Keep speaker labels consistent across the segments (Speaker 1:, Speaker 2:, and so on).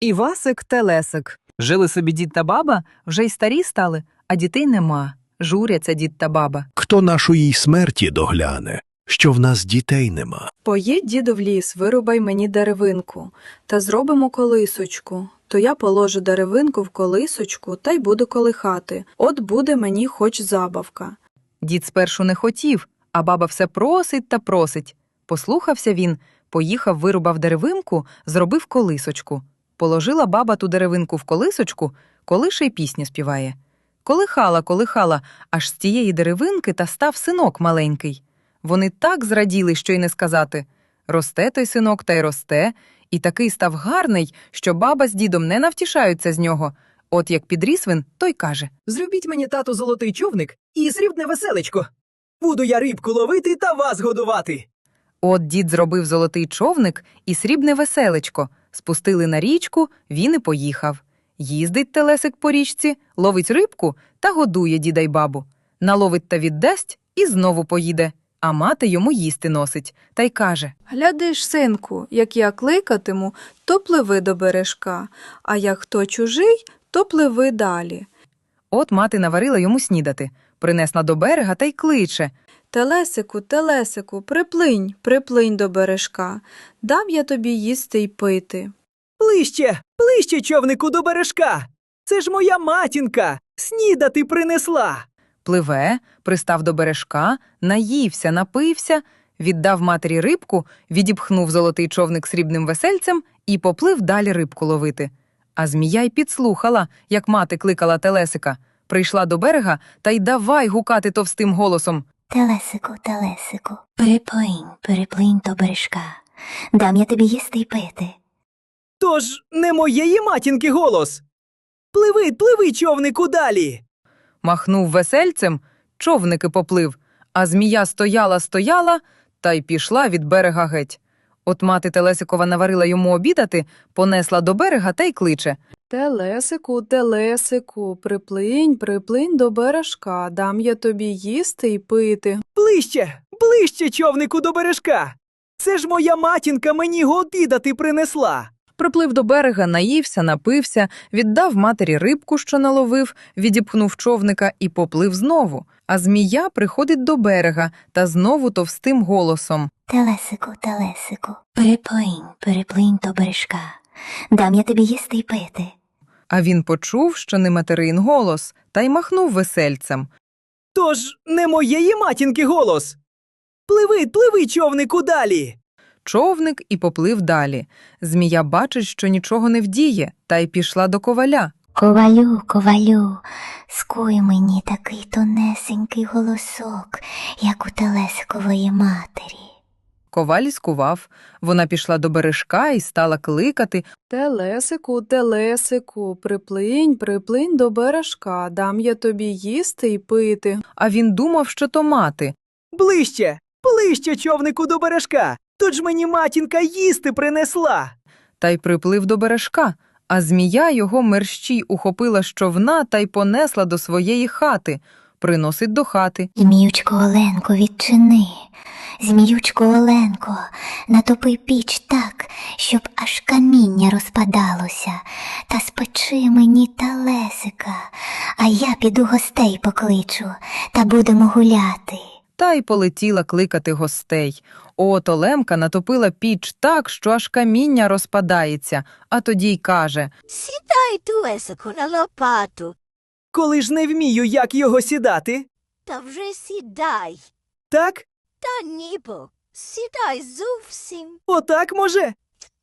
Speaker 1: Івасик-телесик. Жили собі дід та баба, вже й старі стали, а дітей нема. Журяться дід та баба.
Speaker 2: Хто нашої смерті догляне, що в нас дітей нема?
Speaker 3: Поїдь, діду, в ліс, вирубай мені деревинку, та зробимо колисочку. То я положу деревинку в колисочку, та й буду колихати. От буде мені хоч забавка.
Speaker 1: Дід спершу не хотів, а баба все просить та просить. Послухався він, поїхав, вирубав деревинку, зробив колисочку. Положила баба ту деревинку в колисочку, колише й пісню співає. Колихала, колихала, аж з тієї деревинки та став синок маленький. Вони так зраділи, що й не сказати. Росте той синок та й росте, і такий став гарний, що баба з дідом не навтішаються з нього. От як підріс він, той каже:
Speaker 4: «Зробіть мені, тату, золотий човник і срібне веселечко. Буду я рибку ловити та вас годувати».
Speaker 1: От дід зробив золотий човник і срібне веселечко. Спустили на річку, він і поїхав. Їздить телесик по річці, ловить рибку та годує діда й бабу. Наловить та віддасть і знову поїде. А мати йому їсти носить, та й каже:
Speaker 3: Глядиш, синку, як я кликатиму, то пливи до бережка, а як хто чужий, то пливи далі.
Speaker 1: От мати наварила йому снідати, принесла до берега та й кличе:
Speaker 3: Телесику, телесику, приплинь, приплинь до бережка, дам я тобі їсти й пити.
Speaker 4: Ближче, ближче, човнику, до бережка. Це ж моя матінка, снідати принесла.
Speaker 1: Пливе, пристав до бережка, наївся, напився, віддав матері рибку, відіпхнув золотий човник срібним весельцем і поплив далі рибку ловити. А змія й підслухала, як мати кликала телесика. Прийшла до берега та й давай гукати товстим голосом:
Speaker 5: Телесику, телесику, переплинь, переплинь до бережка, дам я тобі їсти й пити.
Speaker 4: Тож не моєї матінки голос. Пливи, пливи, човнику, далі.
Speaker 1: Махнув весельцем, човник і поплив, а змія стояла, та й пішла від берега геть. От мати Телесикова наварила йому обідати, понесла до берега та й кличе:
Speaker 3: Телесику, телесику, приплинь, приплинь до бережка, дам я тобі їсти й пити.
Speaker 4: Ближче, ближче, човнику, до бережка. Це ж моя матінка мені обідати принесла.
Speaker 1: Приплив до берега, наївся, напився, віддав матері рибку, що наловив, відіпхнув човника і поплив знову. А змія приходить до берега та знову товстим голосом:
Speaker 5: Телесику, телесику, переплинь, переплинь до бережка, дам я тобі їсти й пити.
Speaker 1: А він почув, що не материн голос, та й махнув весельцем.
Speaker 4: Тож не моєї матінки голос. Пливи, пливи, човнику, далі.
Speaker 1: Човник і поплив далі. Змія бачить, що нічого не вдіє, та й пішла до коваля.
Speaker 5: Ковалю, ковалю, скуй мені такий тонесенький голосок, як у телесикової матері.
Speaker 1: Коваль скував. Вона пішла до бережка і стала кликати:
Speaker 3: Телесику, телесику, приплинь, приплинь до бережка, дам я тобі їсти й пити.
Speaker 1: а він думав, що то мати.
Speaker 4: Ближче, ближче, човнику, до бережка. Тож мені матінка їсти принесла.
Speaker 1: Та й приплив до бережка, а змія його мерщій ухопила з човна та й понесла до своєї хати. Приносить до хати.
Speaker 5: Зміючко Оленко, відчини. Зміючко Оленко, натопи піч так, щоб аж каміння розпадалося, та спечи мені телесика, а я піду гостей покличу, та будемо гуляти.
Speaker 1: Та й полетіла кликати гостей. От Олемка натопила піч так, що аж каміння розпадається, а тоді й каже:
Speaker 6: Сідай, телесику, на лопату.
Speaker 4: Коли ж не вмію, як його сідати.
Speaker 6: Та вже сідай.
Speaker 4: Так?
Speaker 6: Та ніби. Сідай зовсім.
Speaker 4: Отак, може?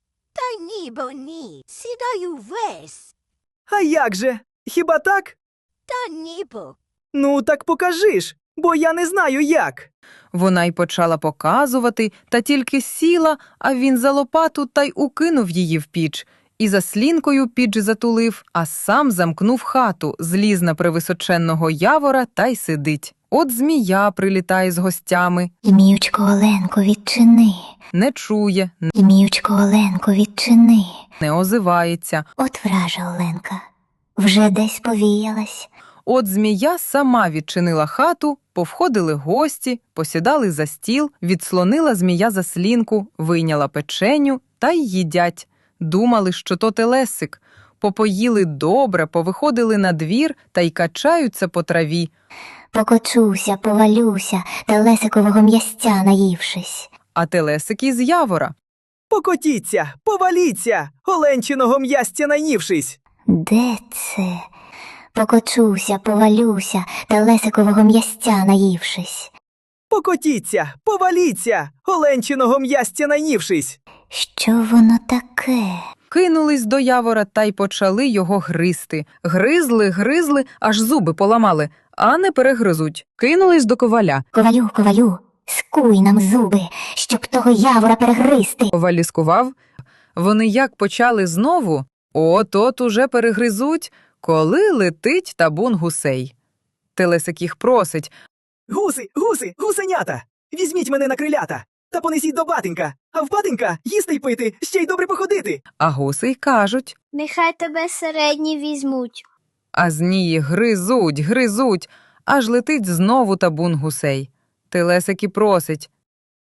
Speaker 6: Та ніби ні. Сідай увесь.
Speaker 4: А як же? Хіба так?
Speaker 6: Та ніби.
Speaker 4: Ну, так покажи ж, бо я не знаю як.
Speaker 1: Вона й почала показувати, та тільки сіла, а він за лопату та й укинув її в піч. І заслінкою піч затулив, а сам замкнув хату, зліз на превисоченного явора та й сидить. От змія прилітає з гостями.
Speaker 5: Зміючко Оленко, відчини.
Speaker 1: Не чує,
Speaker 5: Зміючко Оленко, відчини.
Speaker 1: не озивається.
Speaker 5: От вража Оленка, вже десь повіялась.
Speaker 1: От змія сама відчинила хату, повходили гості, посідали за стіл, відслонила змія заслінку, вийняла печеню та й їдять. Думали, що то телесик. Попоїли добре, повиходили на двір та й качаються по траві.
Speaker 5: Покочуся, повалюся, телесикового м'ясця наївшись.
Speaker 1: А телесик із явора.
Speaker 4: Покотіться, поваліться, оленчиного м'ястя наївшись.
Speaker 5: Де це? Покочуся, повалюся, телесикового м'ясця наївшись.
Speaker 4: Покотіться, поваліться, оленчиного м'ястя наївшись.
Speaker 5: Що воно таке?
Speaker 1: Кинулись до явора та й почали його гризти. Гризли, аж зуби поламали, а не перегризуть. Кинулись до коваля.
Speaker 5: Ковалю, скуй нам зуби, щоб того явора перегризти.
Speaker 1: Коваль ліскував. Вони як почали знову, от уже перегризуть, коли летить табун гусей. Телесик їх просить.
Speaker 4: Гуси, гусенята, візьміть мене на крилята та понесіть до батенька, а в батенька їсти й пити, ще й добре походити.
Speaker 1: А гуси й кажуть.
Speaker 7: Нехай тебе середні візьмуть.
Speaker 1: А змії гризуть, аж летить знову табун гусей. Телесик і просить.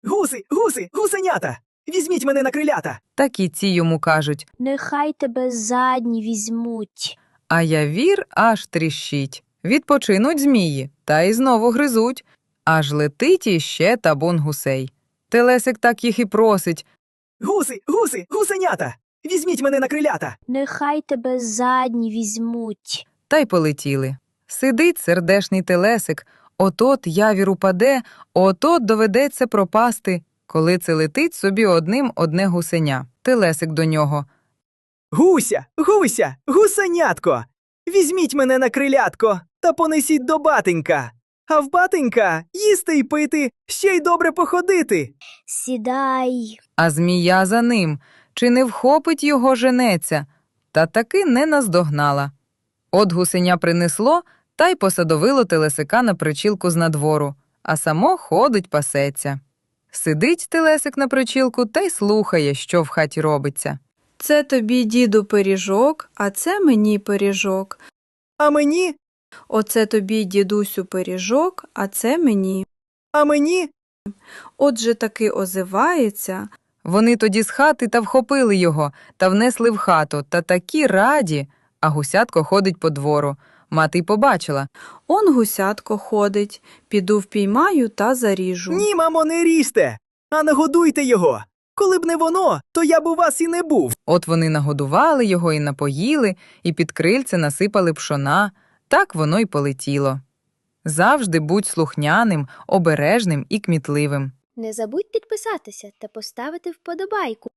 Speaker 4: Гуси, гусенята, візьміть мене на крилята.
Speaker 1: Так і ці йому кажуть.
Speaker 7: Нехай тебе задні візьмуть.
Speaker 1: А явір аж тріщить. Відпочинуть змії, та й знову гризуть. Аж летить іще табун гусей. Телесик так їх і просить.
Speaker 4: Гуси, гусенята, візьміть мене на крилята.
Speaker 7: Нехай тебе задні візьмуть.
Speaker 1: Та й полетіли. Сидить сердешний телесик, от явір упаде, от доведеться пропасти, коли це летить собі одне гусеня. Телесик до нього.
Speaker 4: Гуся, гусенятко, візьміть мене на крилятко та понесіть до батенька, а в батенька їсти й пити, ще й добре походити.
Speaker 7: Сідай.
Speaker 1: А змія за ним, чи не вхопить його женеця? Та таки не наздогнала. От гусеня принесло, та й посадовило телесика на причілку з надвору, а само ходить пасеться. Сидить телесик на причілку та й слухає, що в хаті робиться.
Speaker 3: Це тобі, діду, пиріжок, а це мені пиріжок.
Speaker 4: А мені,
Speaker 3: Оце тобі, дідусю, пиріжок, а це мені.
Speaker 4: а мені,
Speaker 3: Отже таки озивається.
Speaker 1: Вони тоді з хати та вхопили його, та внесли в хату, та такі раді, а гусятко ходить по двору. Мати й побачила.
Speaker 3: Он гусятко ходить, піду впіймаю та заріжу.
Speaker 4: ні, мамо, не ріжте, а нагодуйте його. Коли б не воно, то я б у вас і не був.
Speaker 1: От вони нагодували його і напоїли, і під крильце насипали пшона. Так воно й полетіло. Завжди будь слухняним, обережним і кмітливим.
Speaker 7: Не забудь підписатися та поставити вподобайку.